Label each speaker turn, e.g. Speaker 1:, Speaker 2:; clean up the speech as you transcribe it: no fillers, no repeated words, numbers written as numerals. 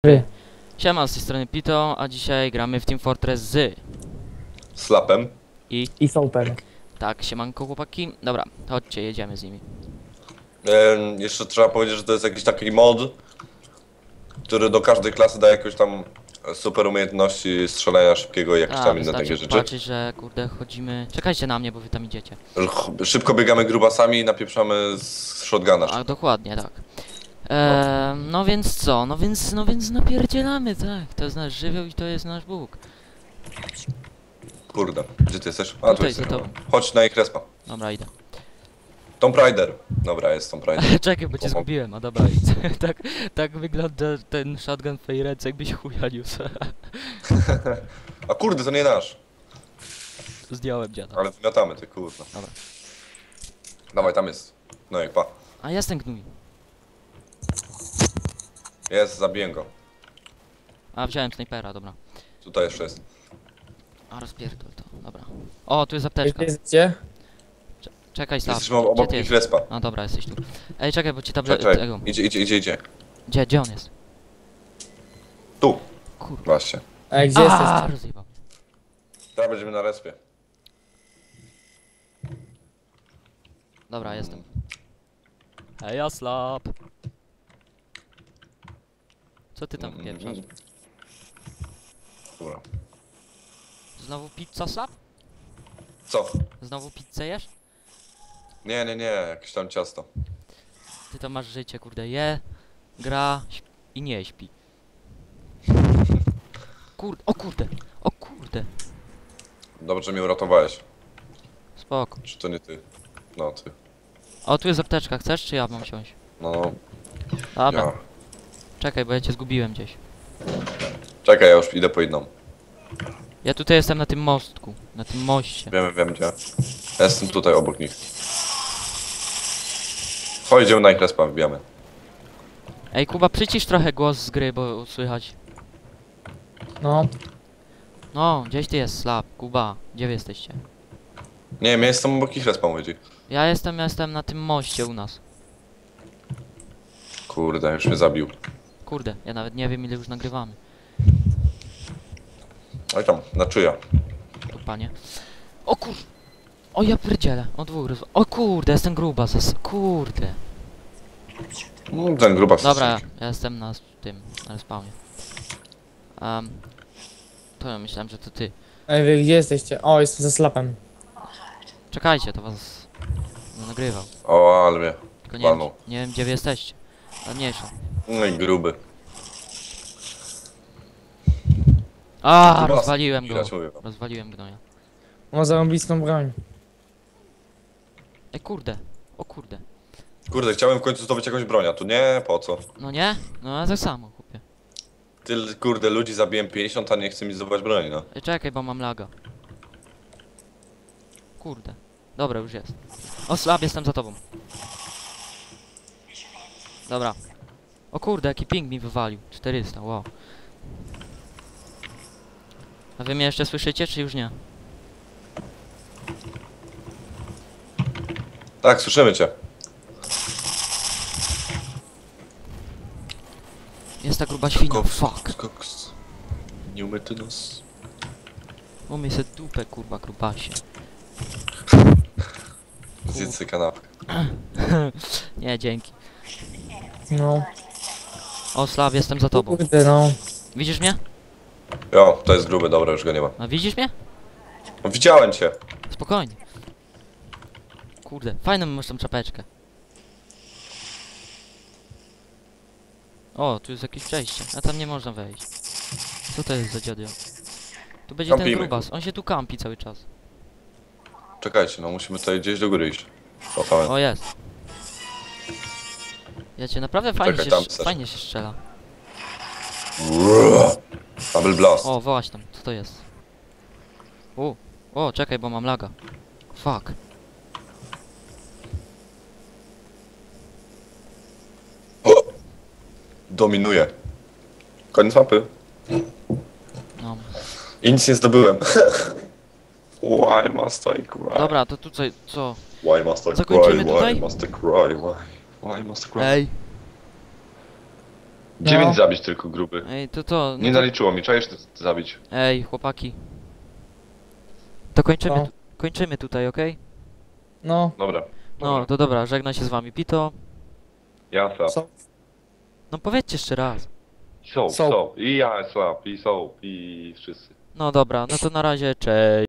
Speaker 1: Siema, z tej strony Pito, a dzisiaj gramy w Team Fortress z
Speaker 2: Slapem.
Speaker 3: I Soper.
Speaker 1: Tak, siemanko chłopaki. Dobra, chodźcie, jedziemy z nimi.
Speaker 2: Jeszcze trzeba powiedzieć, że to jest jakiś taki mod, który do każdej klasy daje jakieś tam super umiejętności strzelania szybkiego i jakieś tam inne takie rzeczy.
Speaker 1: zobaczyć, że kurde chodzimy... Czekajcie na mnie, bo wy tam idziecie.
Speaker 2: Szybko biegamy grubasami i napieprzamy z shotguna.
Speaker 1: A dokładnie, tak. No więc co? No więc napierdzielamy, tak. To jest nasz żywioł i to jest nasz Bóg.
Speaker 2: Kurde, gdzie ty jesteś? A tu
Speaker 1: Tutaj,
Speaker 2: jesteś.
Speaker 1: za tobą.
Speaker 2: Chodź na ich respa.
Speaker 1: Dobra, idę.
Speaker 2: Tomb Raider. Dobra, jest Tomb Raider.
Speaker 1: Czekaj, bo cię zgubiłem, a dobra, idź. tak wygląda ten shotgun w twojej ręce, jakbyś chuja niósł.
Speaker 2: A kurde, to nie nasz.
Speaker 1: Zdjąłem dziada.
Speaker 2: Ale wymiatamy, ty kurwa.
Speaker 1: Dobra.
Speaker 2: Dawaj, tam jest. No jak pa.
Speaker 1: A jest ten gnój.
Speaker 2: Jest, zabiję go.
Speaker 1: A, wziąłem snajpera, dobra.
Speaker 2: Tutaj jeszcze jest.
Speaker 1: A, rozpierdol to, dobra. O, tu jest apteczka.
Speaker 3: Gdzie?
Speaker 1: Czekaj, Slav.
Speaker 2: Jesteśmy obok
Speaker 1: ty
Speaker 2: ich
Speaker 1: jesteś?
Speaker 2: respa.
Speaker 1: A dobra, jesteś tu. Ej, czekaj, bo ci
Speaker 2: Czekaj,
Speaker 1: tego.
Speaker 2: idzie.
Speaker 1: Gdzie on jest?
Speaker 2: Tu.
Speaker 1: Kurwa.
Speaker 2: Właśnie.
Speaker 3: A gdzie jesteś?
Speaker 1: Rozjebał.
Speaker 2: Teraz będziemy na respie.
Speaker 1: Dobra, jestem. Hej, ja Slap. Co ty tam pieprzasz?
Speaker 2: Dobra.
Speaker 1: Znowu pizza, Slap?
Speaker 2: Co?
Speaker 1: Znowu pizzę jesz?
Speaker 2: Nie, jakieś tam ciasto.
Speaker 1: Ty to masz życie, kurde. Je, gra i nie śpi. Kurde, o kurde.
Speaker 2: Dobrze, że mnie uratowałeś.
Speaker 1: Spoko.
Speaker 2: Czy to nie ty? No, ty.
Speaker 1: O, tu jest apteczka, chcesz czy ja mam siąść?
Speaker 2: No,
Speaker 1: Dobra,
Speaker 2: ja.
Speaker 1: czekaj, bo ja cię zgubiłem gdzieś.
Speaker 2: Czekaj, ja już idę po jedną.
Speaker 1: Ja tutaj jestem na tym mostku, na tym moście.
Speaker 2: Wiem gdzie. Ja jestem tutaj obok nich. Chodź, idziemy na ich respa, wbijamy.
Speaker 1: Ej, Kuba, przycisz trochę głos z gry, bo słychać.
Speaker 3: No.
Speaker 1: No, gdzieś ty jest, Slap, Kuba, gdzie wy jesteście?
Speaker 2: Nie, ja jestem obok ich respa, mówię ci.
Speaker 1: Ja jestem na tym moście u nas.
Speaker 2: Kurde, już mnie zabił.
Speaker 1: Kurde, ja nawet nie wiem ile już nagrywamy.
Speaker 2: Oj tam, na czyja.
Speaker 1: Tu panie. O kur... O ja pierdzielę, o dwóch o kurde, jestem gruba, kurde.
Speaker 2: Ten grubas.
Speaker 1: Dobra, ja jestem na tym, na spawnie. To ja myślałem, że to ty.
Speaker 3: Ej, wy gdzie jesteście? O, jestem ze Slapem.
Speaker 1: Czekajcie, to was... No, nagrywał.
Speaker 2: O, ale mnie.
Speaker 1: Tylko nie wiem,
Speaker 2: Walnął.
Speaker 1: nie wiem gdzie wy jesteście. A mniejsza.
Speaker 2: No i gruby.
Speaker 1: A,
Speaker 2: Grubas,
Speaker 1: rozwaliłem go.
Speaker 2: widać, mówię.
Speaker 1: Rozwaliłem gnoja.
Speaker 3: Ma zarąbistą broń.
Speaker 1: Ej, kurde. O kurde.
Speaker 2: Kurde, chciałem w końcu zdobyć jakąś broń, a tu nie, po co?
Speaker 1: No nie? No ja tak samo, chłopie.
Speaker 2: Tyle, kurde, ludzi zabiłem 50, a nie chce mi zdobywać broni, no.
Speaker 1: Ej, czekaj, bo mam laga. Kurde. Dobra, już jest. O, Slab, jestem za tobą. Dobra. O kurde, jaki ping mi wywalił. 400, wow. A wy mnie jeszcze słyszycie, czy już nie?
Speaker 2: Tak, słyszymy cię.
Speaker 1: Jest ta gruba świnia, fuck.
Speaker 2: Koks. Nie umyty nos.
Speaker 1: Umyj se dupę, kurwa, grubasie.
Speaker 2: Zjedz sobie kanapkę.
Speaker 1: Nie, dzięki.
Speaker 3: No.
Speaker 1: O, Slav, jestem za tobą.
Speaker 3: Kurde, no.
Speaker 1: Widzisz mnie?
Speaker 2: Jo, to jest gruby, dobra, już go nie ma.
Speaker 1: A widzisz mnie?
Speaker 2: No, widziałem cię.
Speaker 1: Spokojnie. Kurde, fajną masz tą czapeczkę. O, tu jest jakieś przejście, a tam nie można wejść. Co to jest za dziadio? Tu będzie ten
Speaker 2: Kampimy.
Speaker 1: grubas, on się tu kampi cały czas.
Speaker 2: Czekajcie, no musimy tutaj gdzieś do góry iść. O, tam.
Speaker 1: O, jest. Ja cię naprawdę fajnie,
Speaker 2: Czekaj, tam
Speaker 1: się,
Speaker 2: chcesz.
Speaker 1: fajnie się strzela.
Speaker 2: Double blast.
Speaker 1: O, wołać tam, co to jest? O, czekaj, bo mam laga. Fuck.
Speaker 2: Dominuje. Koniec mapy.
Speaker 1: No.
Speaker 2: I nic nie zdobyłem. Why must I cry?
Speaker 1: Dobra, to tutaj, co?
Speaker 2: Why must I cry?
Speaker 1: Zakończymy
Speaker 2: Why
Speaker 1: tutaj?
Speaker 2: must I cry? Why must I cry?
Speaker 1: Ej.
Speaker 3: No.
Speaker 4: 9 zabić tylko gruby.
Speaker 1: Ej, to...
Speaker 4: Nie
Speaker 1: No to...
Speaker 4: naliczyło mi, czajesz zabić.
Speaker 1: Ej, chłopaki. To kończymy,
Speaker 3: Co?
Speaker 1: kończymy tutaj, okej?
Speaker 3: No,
Speaker 4: Dobra.
Speaker 1: No, to dobra, żegna się z wami Pito.
Speaker 4: Ja slap.
Speaker 3: co?
Speaker 1: No powiedzcie jeszcze raz.
Speaker 4: Soap,
Speaker 3: Soap.
Speaker 4: soap. I ja slap, i soap, i wszyscy.
Speaker 1: No dobra, no to na razie, cześć.